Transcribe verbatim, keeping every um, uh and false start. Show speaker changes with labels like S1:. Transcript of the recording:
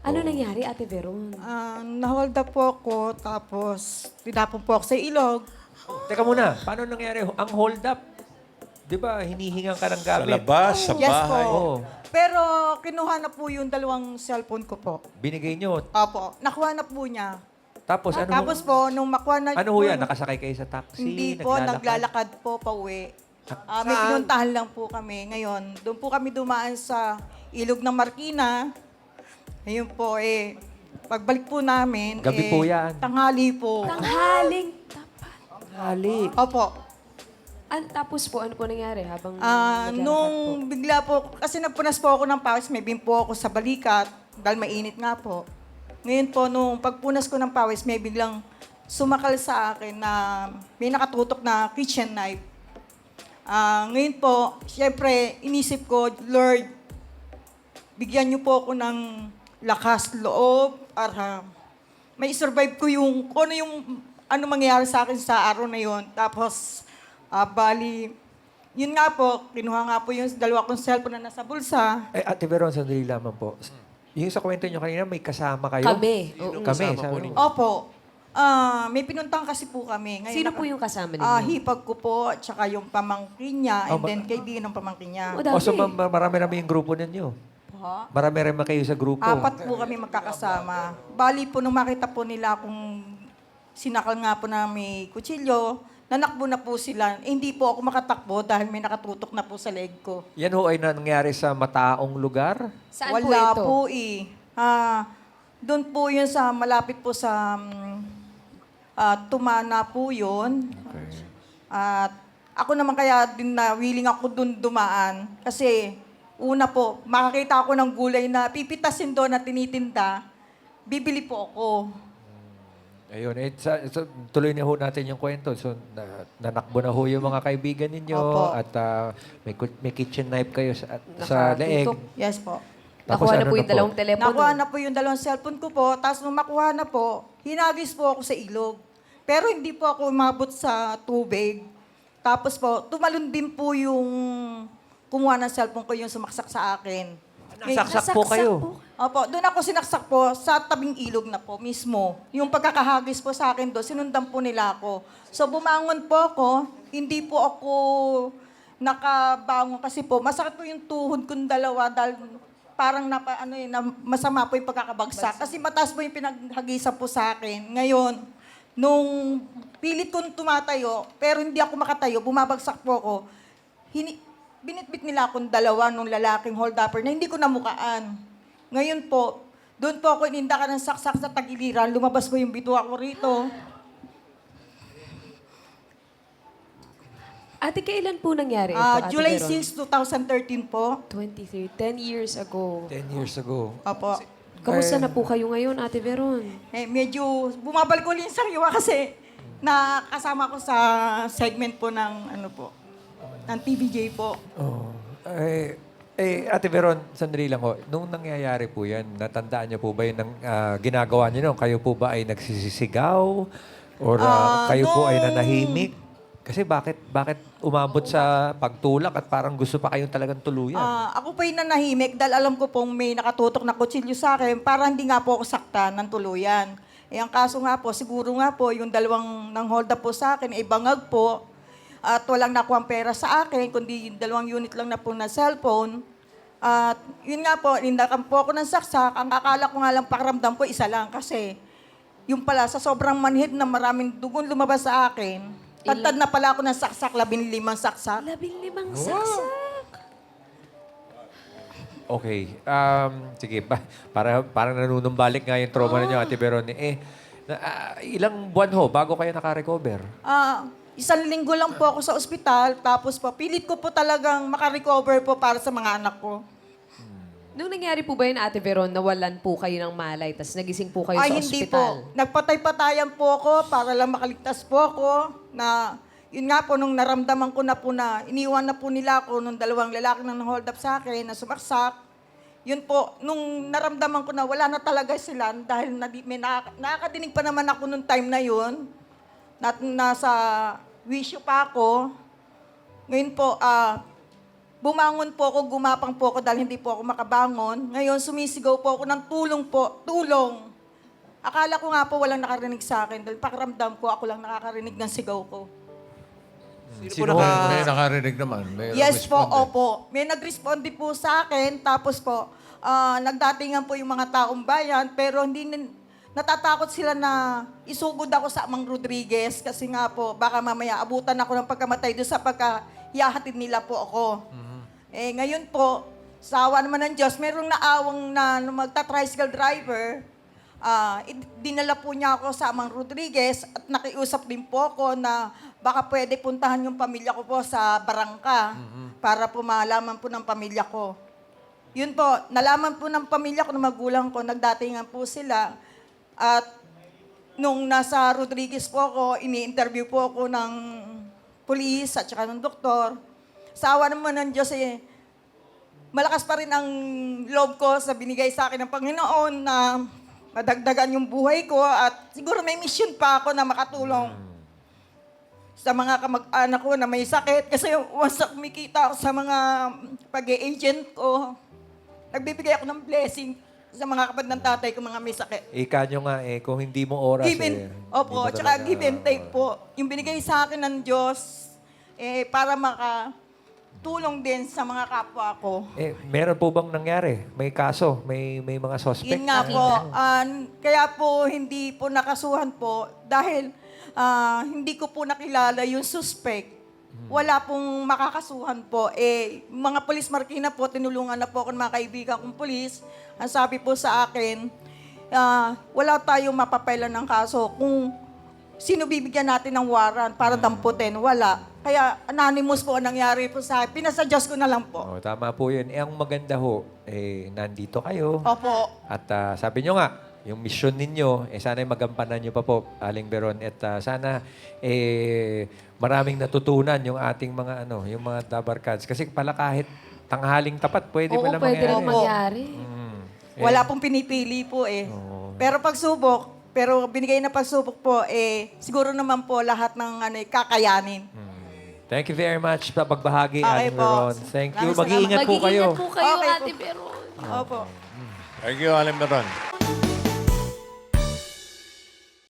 S1: Ano nangyari, Ate Veron?
S2: Ah, na-hold up po ako, tapos tinapon po ako sa ilog.
S3: Teka muna, paano nangyari ang hold up? Di ba, hinihingan ka ng
S4: Sa
S3: gamit?
S4: labas, sa
S2: Yes
S4: bahay.
S2: po.
S3: Oo.
S2: Pero kinuha na po yung dalawang cellphone ko po.
S3: Binigay nyo.
S2: Opo, nakuha na po niya.
S3: Tapos ano?
S2: Tapos po, nung makuha na
S3: ano ho yan? Nakasakay kayo sa taxi?
S2: Hindi po, naglalakad po pa uwi. Ah, may pinuntahan lang po kami. Ngayon, doon po kami dumaan sa ilog ng Marikina. Ayun po, eh, pagbalik po namin,
S3: Gabi
S2: eh,
S3: po yan.
S2: tanghali po.
S1: Tanghaling tapat.
S3: Hali.
S2: Opo.
S1: An tapos po, ano po nangyari habang
S2: Ah,
S1: naglalakad
S2: nung
S1: po?
S2: bigla po, kasi nagpunas po ako ng pawis, may bim po ako sa balikat, dahil mainit nga po. Ngayon po, nung pagpunas ko ng pawis, may biglang sumakal sa akin na may nakatutok na kitchen knife. Ah, ngayon po, siyempre, inisip ko, Lord, bigyan niyo po ako ng lakas loob para may survive ko yung, kung ano yung, ano mangyayari sa akin sa araw na yon. Tapos, ah, bali, yun nga po, kinuha nga po yung dalawa kong cellphone na nasa bulsa.
S3: Eh, Ate Veron, sandali lamang po. Yung sa kwento nyo kanina, may kasama kayo?
S1: Kami. Oo.
S3: Kami, sabi mo.
S2: Opo, ah, may pinuntang kasi po kami. Ngayon,
S1: Sino
S2: naka-
S1: po yung kasama ninyo?
S2: Ah, hipag ko po, at saka yung pamangkin niya, and
S3: Oh, ma-
S2: then kaibigan ng pamangkin niya.
S1: O, dami.
S3: O, so ma- ma- marami-rami yung grupo ninyo?
S2: Ha?
S3: Marami-rami kayo sa grupo?
S2: Apat po kami magkakasama. Bali po, nung makita po nila kung sinakal nga po na may kutsilyo, nanakbo na po sila. Eh, hindi po ako makatakbo dahil may nakatutok na po sa leg ko.
S3: Yan ho ay nangyari sa mataong lugar?
S1: Saan
S2: Wala
S1: po ito?
S2: po eh. Ah, doon po yun sa, malapit po sa um, ah, Tumana po yun.
S3: Okay.
S2: At ako naman kaya din na willing ako doon dumaan. Kasi una po, makakita ako ng gulay na pipitasin doon na tinitinda, bibili po ako.
S3: Ayun, eh, sa, sa- tuloy na ho natin yung kwento. So, na, nanakbo na ho yung mga kaibigan ninyo
S2: Opo.
S3: at ah, may, ku- may kitchen knife kayo sa, sa leeg.
S1: Nakatutok.
S2: Yes po.
S3: Tapos
S1: Nakuha na
S3: ano
S1: po
S3: na
S1: yung
S3: po?
S1: dalawang telepono.
S2: Nakuha na po yung dalawang cellphone ko po. Tapos nung makuha na po, hinagis po ako sa ilog. Pero hindi po ako umabot sa tubig. Tapos po, tumalon din po yung kumuha ng cellphone ko yung sumaksak sa akin.
S3: Nasaksak po kayo.
S2: Opo, doon ako sinaksak po sa tabing ilog na po mismo. Yung pagkakahagis po sa akin doon, sinundan po nila ako. So bumangon po ako, hindi po ako nakabangon kasi po masakit po yung tuhod kong dalawa dahil parang napa, ano yun, na masama po yung pagkakabagsak. Kasi mataas po yung pinaghagisan po sa akin. Ngayon, nung pilit kong tumatayo, pero hindi ako makatayo, bumabagsak po ako, hini, binitbit nila akong dalawa nung lalaking hold-upper na hindi ko namukaan. Ngayon po, doon po ako inindakan ng saksak sa tagiliran, lumabas po yung bituwa ko rito.
S1: Ate, kailan po nangyari ito,
S2: Ah,
S1: Ate
S2: July
S1: Veron?
S2: sixth, twenty thirteen po.
S1: twenty-three, ten years ago.
S3: Ten years ago.
S2: Opo.
S1: Kamusta na po kayo ngayon, Ate Veron?
S2: Eh, medyo bumabalik ko yung sariwa kasi nakasama ko sa segment po ng ano po, ng T V J po.
S3: Oh. Eh, eh, Ate Veron, sandali lang ho. Nung nangyayari po yan, natandaan niyo po ba yun ng ah, ginagawa niyo noon? Kayo po ba ay nagsisisigaw? Or ah,
S2: Ah,
S3: kayo po ay
S2: nung-
S3: nanahimik? Kasi bakit bakit umabot sa pagtulak at parang gusto pa kayong talagang tuluyan?
S2: Ah, ako po yung nanahimik dahil alam ko pong may nakatutok na kutsilyo sa akin para hindi nga po ako saktan ng tuluyan. Eh, ang kaso nga po, siguro nga po, yung dalawang nang hold up po sa akin ay bangag po at walang nakuha pera sa akin, kundi yung dalawang unit lang na po na cellphone. At yun nga po, nindakan po ako ng saksak. Ang akala ko nga lang pakiramdam ko, isa lang kasi yung pala sa sobrang manhid na maraming dugon lumabas sa akin, tantad na pala ako ng saksak, labing limang saksak.
S1: Labing limang saksak.
S3: Okay. Um, sige, pa, para, parang nanunumbalik nga yung trauma ninyo, Ate Veron. Eh, na, ah, ilang buwan ho bago kayo nakarecover?
S2: Ah, isang linggo lang po ako sa ospital, tapos po, pilit ko po talagang makarecover po para sa mga anak ko.
S1: Nung nangyari po ba yun, Ate Veron, nawalan po kayo ng malay, tapos nagising po kayo
S2: Ay,
S1: sa
S2: hindi
S1: ospital?
S2: po. Nagpatay-patayan po ako para lang makaligtas po ako na, yun nga po, nung naramdaman ko na po na, iniwan na po nila ako nung dalawang lalaki na hold up sa akin, na sumaksak. Yun po, nung naramdaman ko na wala na talaga sila dahil nadi, may nakaka- nakakadinig pa naman ako nung time na yun, na, nasa wisyo pa ako. Ngayon po, ah, bumangon po ako, gumapang po ako dahil hindi po ako makabangon. Ngayon, sumisigaw po ako ng tulong po, tulong. Akala ko nga po walang nakarinig sa akin dahil pakiramdam ko ako lang nakakarinig ng sigaw ko.
S3: Sino
S4: May,
S3: ba?
S4: may nakarinig naman. May
S2: Yes po,
S4: responde.
S2: opo. May nag-responde po sa akin, tapos po, ah, nagdatingan po yung mga taong bayan, pero hindi nin- natatakot sila na isugod ako sa Amang Rodriguez kasi nga po, baka mamaya abutan ako ng pagkamatay doon sa pagkahiyahatid nila po ako. Eh, ngayon po, sa awa naman ng Diyos, merong naawang na magta-tricycle driver. Ah, id- dinala po niya ako sa Amang Rodriguez at nakiusap din po ako na baka pwede puntahan yung pamilya ko po sa Barangka para po malaman po ng pamilya ko. Yun po, nalaman po ng pamilya ko, ng magulang ko, nagdatingan po sila. At nung nasa Rodriguez po ako, ini-interview po ako ng pulis at saka ng doktor. Sa awa naman ng Diyos eh, malakas pa rin ang loob ko sa binigay sa akin ng Panginoon na madagdagan yung buhay ko at siguro may mission pa ako na makatulong sa mga kamag-anak ko na may sakit. Kasi once na kumikita ako sa mga pag-agent ko, nagbibigay ako ng blessing sa mga kapatid ng tatay ko, mga may sakit.
S3: Ika nyo nga eh, kung hindi mo oras
S2: Give
S3: eh.
S2: and,
S3: hindi
S2: opo,
S3: mo
S2: tsaka
S3: talaga-
S2: give and take po. Yung binigay sa akin ng Diyos, eh, para makatulong din sa mga kapwa ko.
S3: Eh, meron po bang nangyari? May kaso? May may mga suspect?
S2: Yun nga po, ah, kaya po hindi po nakasuhan po dahil ah, hindi ko po nakilala yung suspect. Wala pong makakasuhan po. Eh, mga polis Marikina po, tinulungan na po ako ng mga kaibigan kong polis. Ang sabi po sa akin, ah, wala tayong mapapailan ng kaso kung sino bibigyan natin ng warrant para damputin. Wala. Kaya anonymous po ang nangyari po sa akin. Pinasuggest ko na lang po.
S3: Oh, tama po yun. Eh, ang maganda ho, eh, nandito kayo.
S2: Opo.
S3: At ah, sabi nyo nga, yung mission ninyo, eh, sana magampanan nyo pa po, Aling Beron. At ah, sana eh, maraming natutunan yung ating mga ano, yung mga Dabarkads. Kasi pala kahit tanghaling tapat, pwede
S1: Oo,
S3: pala
S1: pwede rin
S3: mangyari.
S1: mangyari.
S3: Mm.
S2: Wala pong pinipili po eh.
S3: Oo.
S2: Pero pagsubok, pero binigay na pagsubok po, eh, siguro naman po lahat ng ano, eh, kakayanin.
S3: Mm. Thank you very much sa pagbahagi,
S2: Okay
S3: Aling
S2: po.
S3: Beron. Thank you.
S2: Maraming
S3: Mag-iingat po kayo.
S1: Mag-iingat po kayo,
S2: Okay po.
S1: Ate Veron.
S2: Opo.
S4: Thank you, Alan Meron.